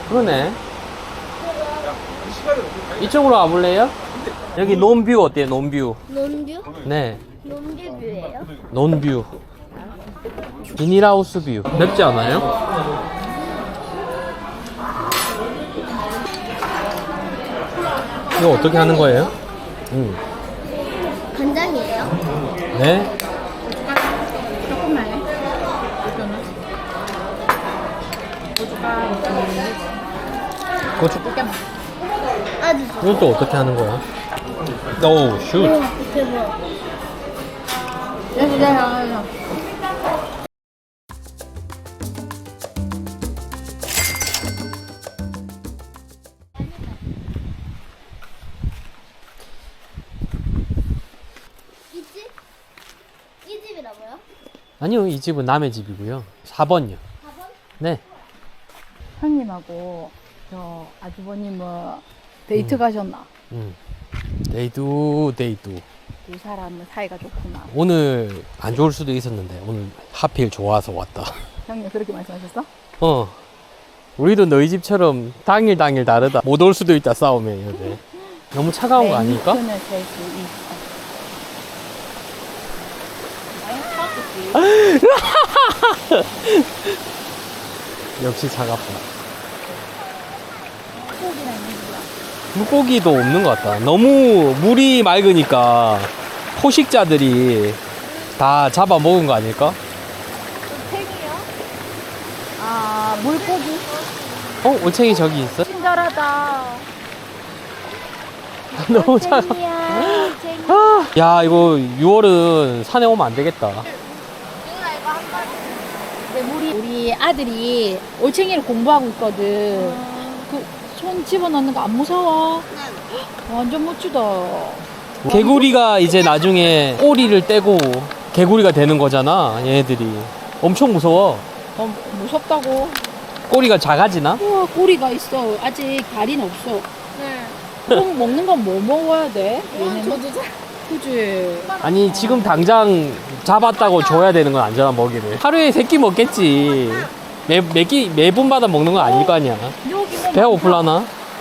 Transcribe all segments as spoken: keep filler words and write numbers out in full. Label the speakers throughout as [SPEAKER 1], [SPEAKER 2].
[SPEAKER 1] 그러네. 이쪽으로 와볼래요? 여기 논뷰 어때요? 논뷰.
[SPEAKER 2] 논뷰?
[SPEAKER 1] 네.
[SPEAKER 2] 논뷰뷰예요?
[SPEAKER 1] 논뷰. 비닐하우스 뷰. 맵지 않아요? 이거 어떻게 하는 거예요? 음.
[SPEAKER 2] 간장이에요?
[SPEAKER 1] 네.
[SPEAKER 3] 조금만 해.
[SPEAKER 1] 고추.
[SPEAKER 2] 아주
[SPEAKER 1] 이건 또 어떻게 하는 거야? 오, 슛.
[SPEAKER 2] 오, 대박.
[SPEAKER 3] 여기 내가 여기.
[SPEAKER 2] 이 집? 이 집이라고요?
[SPEAKER 1] 아니요, 이 집은 남의 집이고요. 사 번요.
[SPEAKER 2] 사 번?
[SPEAKER 1] 네.
[SPEAKER 3] 형님하고 저 아주버님 뭐 데이트 가셨나?
[SPEAKER 1] 음. 데이두, 데이두.
[SPEAKER 3] 두 사람은 사이가 좋구나.
[SPEAKER 1] 오늘 안 좋을 수도 있었는데, 오늘 하필 좋아서 왔다.
[SPEAKER 3] 형님 그렇게 말씀하셨어?
[SPEAKER 1] 어. 우리도 너희 집처럼 당일 당일 다르다. 못 올 수도 있다, 싸우면. 이러네. 너무 차가운 거 아닐까?
[SPEAKER 3] 셀수 있어.
[SPEAKER 1] 역시 차갑다. 물고기도 없는 것 같다. 너무 물이 맑으니까 포식자들이 다 잡아 먹은 거 아닐까?
[SPEAKER 3] 팽이요? 아 물고기?
[SPEAKER 1] 어? 올챙이 저기 있어?
[SPEAKER 3] 친절하다.
[SPEAKER 1] 너무 차가.
[SPEAKER 2] 쟁이야, 쟁이.
[SPEAKER 1] 아, 야, 이거 유월은 산에 오면 안 되겠다.
[SPEAKER 3] 근데 우리 우리 아들이 올챙이를 공부하고 있거든. 그 손 집어넣는 거 안 무서워? 완전 멋지다.
[SPEAKER 1] 개구리가 이제 나중에 꼬리를 떼고 개구리가 되는 거잖아, 얘네들이. 엄청 무서워.
[SPEAKER 3] 어, 무섭다고?
[SPEAKER 1] 꼬리가 작아지나?
[SPEAKER 3] 우와 꼬리가 있어. 아직 다리는 없어.
[SPEAKER 2] 네.
[SPEAKER 3] 그럼 먹는 건 뭐 먹어야 돼? 얘네는?
[SPEAKER 2] 저도 잘.
[SPEAKER 3] 그지?
[SPEAKER 1] 아니, 지금 당장 잡았다고 줘야 되는 건 아니잖아, 먹이를. 하루에 세 끼 먹겠지. 매, 매 끼, 매분마다 먹는 건 아닐 거 아니야.
[SPEAKER 3] 여기 뭐
[SPEAKER 1] 배가 고플라나?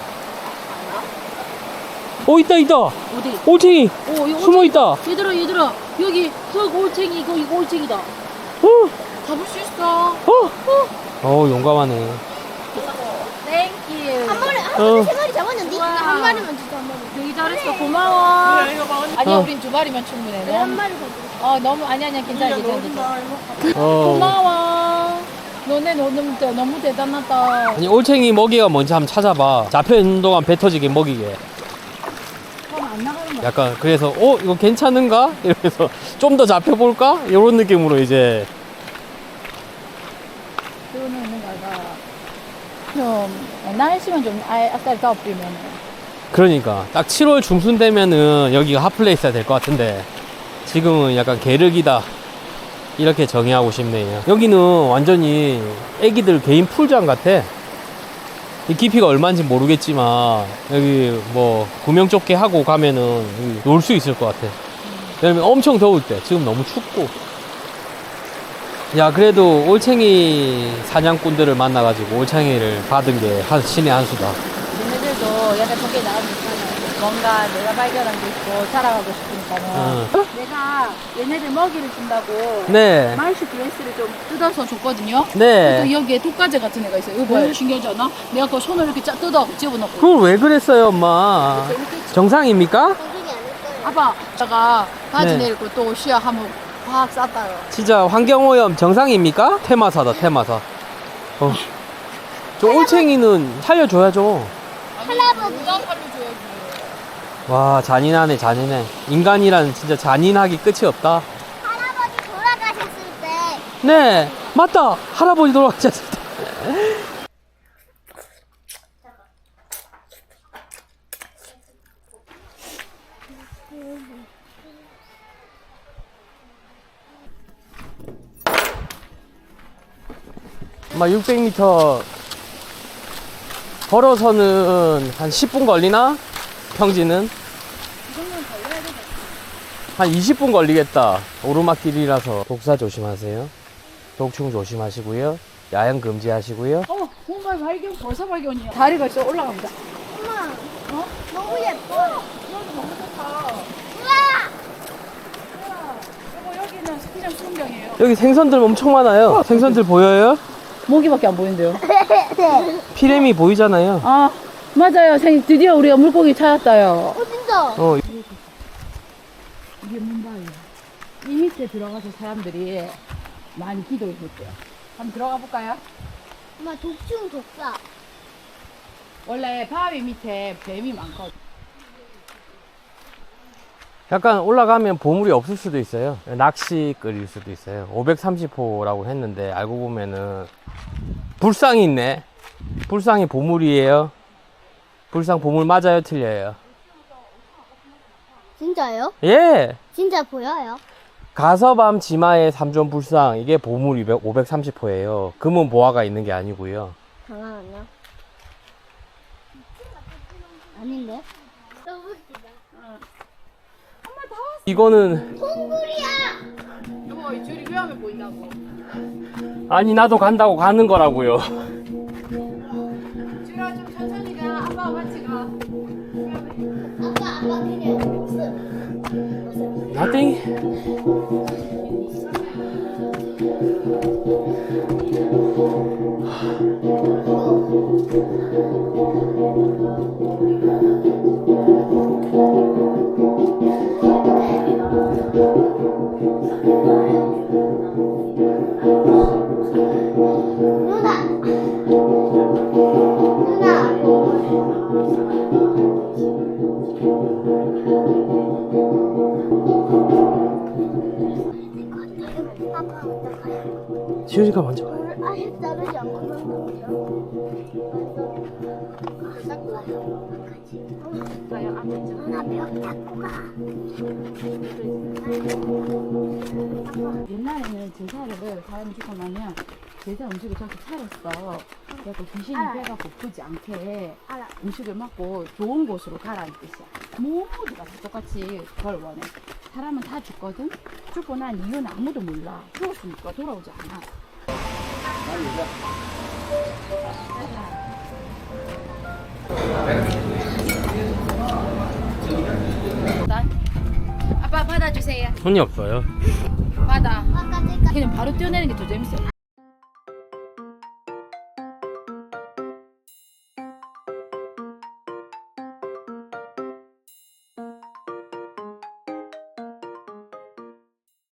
[SPEAKER 1] 어, 있다, 있다.
[SPEAKER 3] 어디?
[SPEAKER 1] 올챙이.
[SPEAKER 3] 오, 이거
[SPEAKER 1] 숨어 있다.
[SPEAKER 3] 얘들아 얘들아 여기 그 올챙이 이거 이거 올챙이다.
[SPEAKER 1] 어,
[SPEAKER 3] 잡을 수 있어.
[SPEAKER 1] 어. 어, 용감하네.
[SPEAKER 3] 땡큐.
[SPEAKER 2] 한 마리, 한
[SPEAKER 1] 어.
[SPEAKER 2] 마리, 세 마리 잡았는데?
[SPEAKER 3] 우와.
[SPEAKER 2] 한 마리만 진짜 한 마리.
[SPEAKER 3] 되게 잘했어. 고마워. 아니야
[SPEAKER 1] 어.
[SPEAKER 3] 우린 두 마리면 충분해.
[SPEAKER 2] 네, 한
[SPEAKER 3] 너무,
[SPEAKER 2] 마리 더 주세요.
[SPEAKER 3] 어 너무 아니 아니야 괜찮아 괜찮아 괜찮아.
[SPEAKER 1] 어.
[SPEAKER 3] 고마워. 너네 너무 대- 너무 대단하다.
[SPEAKER 1] 아니, 올챙이 먹이가 뭔지 한번 찾아봐. 잡혀있는 동안 배 터지게 먹이게.
[SPEAKER 3] 그럼 안 나가는 거야.
[SPEAKER 1] 약간, 그래서, 어, 이거 괜찮은가? 이러면서, 좀 더 잡혀볼까? 이런 느낌으로 이제.
[SPEAKER 3] 그러면 있는 거가 좀 날씨만 좀 아예 아까 더 뿌리면
[SPEAKER 1] 그러니까. 딱 칠월 중순 되면은 여기가 핫플레이스가 될 것 같은데, 지금은 약간 게르기다. 이렇게 정의하고 싶네요. 여기는 완전히 애기들 개인 풀장 같아. 이 깊이가 얼마인지 모르겠지만, 여기 뭐, 구명조끼 하고 가면은 놀 수 있을 것 같아. 왜냐면 엄청 더울 때, 지금 너무 춥고. 야, 그래도 올챙이 사냥꾼들을 만나가지고 올챙이를 받은 게 한, 신의 한 수다.
[SPEAKER 3] 얘네들도 약간 저게 나오니까 뭔가 내가 발견한 게 있고 자라가고 싶으니까는
[SPEAKER 1] 어.
[SPEAKER 3] 내가 얘네들 먹이를 준다고
[SPEAKER 1] 네.
[SPEAKER 3] 마이스 드레스를 좀 뜯어서 줬거든요.
[SPEAKER 1] 네.
[SPEAKER 3] 또 여기에 독가재 같은 애가 있어요. 이거 봐요. 신기하지 않아? 내가 그 손을 이렇게 쫙 뜯어 집어넣고.
[SPEAKER 1] 그걸 왜 그랬어요, 엄마? 정상입니까?
[SPEAKER 2] 정신이 아닐 거예요.
[SPEAKER 3] 아빠, 제가 바지
[SPEAKER 1] 네.
[SPEAKER 3] 내리고 또 시야 한번 확 쌌다요.
[SPEAKER 1] 진짜 환경오염 정상입니까? 테마사다, 테마사. 어. 저 올챙이는 살려줘야죠.
[SPEAKER 2] 할아버지.
[SPEAKER 3] 누가 살려줘야지.
[SPEAKER 1] 와, 잔인하네, 잔인해. 인간이란 진짜 잔인하기 끝이 없다.
[SPEAKER 2] 할아버지 돌아가셨을 때
[SPEAKER 1] 네, 맞다. 할아버지 돌아가셨을 때. 아마 육백 미터 걸어서는 한 십 분 걸리나? 평지는? 한 이십 분 걸리겠다. 오르막길이라서 독사 조심하세요. 독충 조심하시고요. 야영 금지하시고요.
[SPEAKER 3] 어, 정말 발견, 벌써 발견이야. 다리가 있어 올라갑니다.
[SPEAKER 2] 엄마,
[SPEAKER 3] 어?
[SPEAKER 2] 너무 예뻐.
[SPEAKER 3] 여기 너무 좋다.
[SPEAKER 2] 우와!
[SPEAKER 3] 그리고 여기는 생전 수영장이에요.
[SPEAKER 1] 여기 생선들 엄청 많아요. 생선들 보여요?
[SPEAKER 3] 모기밖에 안 보이는데요.
[SPEAKER 1] 피레미 보이잖아요.
[SPEAKER 3] 아, 맞아요. 생, 드디어 우리가 물고기 찾았다요.
[SPEAKER 2] 어, 진짜.
[SPEAKER 1] 어,
[SPEAKER 3] 이게 문바예요. 이 밑에 들어가서 사람들이 많이 기도했대요. 한번 들어가 볼까요?
[SPEAKER 2] 엄마, 독충 독사.
[SPEAKER 3] 원래 바위 밑에 뱀이 많거든.
[SPEAKER 1] 약간 올라가면 보물이 없을 수도 있어요. 낚시 끌일 수도 있어요. 오백삼십 호라고 했는데 알고 보면은 불상이 있네. 불상이 보물이에요. 불상 보물 맞아요, 틀려요?
[SPEAKER 2] 진짜요?
[SPEAKER 1] 예.
[SPEAKER 2] 진짜 보여요?
[SPEAKER 1] 가서밤 지마의 삼존 불상, 이게 보물 오백삼십 호예요. 금은 보화가 있는 게 아니고요.
[SPEAKER 2] 잠깐만요. 아닌데? 너무 웃기다.
[SPEAKER 1] 이거는
[SPEAKER 2] 동굴이야!
[SPEAKER 3] 여보, 이 줄이 위험해 보인다고.
[SPEAKER 1] 아니 나도 간다고 가는 거라고요.
[SPEAKER 3] 줄아, 좀 천천히 가. 아빠와 같이 가.
[SPEAKER 2] 아빠, 아빠 그냥 없어.
[SPEAKER 1] Nothing.
[SPEAKER 2] 누나! 누나! 아빠 어떡해요?
[SPEAKER 1] 지효이가 먼저 가요.
[SPEAKER 2] 오늘 아직 자르지 않고 만들었죠? 누나 벽 잡고 가.
[SPEAKER 3] 옛날에는 제사를 사람이 죽고 나면 제사 음식을 저렇게 차렸어. 그래서 귀신이
[SPEAKER 2] 알아요.
[SPEAKER 3] 배가 고프지 않게
[SPEAKER 2] 알아.
[SPEAKER 3] 음식을 먹고 좋은 곳으로 가라는 뜻이야. 모두가 다 똑같이 그걸 원해. 사람은 다 죽거든? 죽고 난 이유는 아무도 몰라. 죽었으니까 돌아오지 않아. 아빠 받아주세요.
[SPEAKER 1] 손이 없어요.
[SPEAKER 3] 받아.
[SPEAKER 2] 아까 제가
[SPEAKER 3] 그냥 바로 뛰어내는 게 더 재밌어.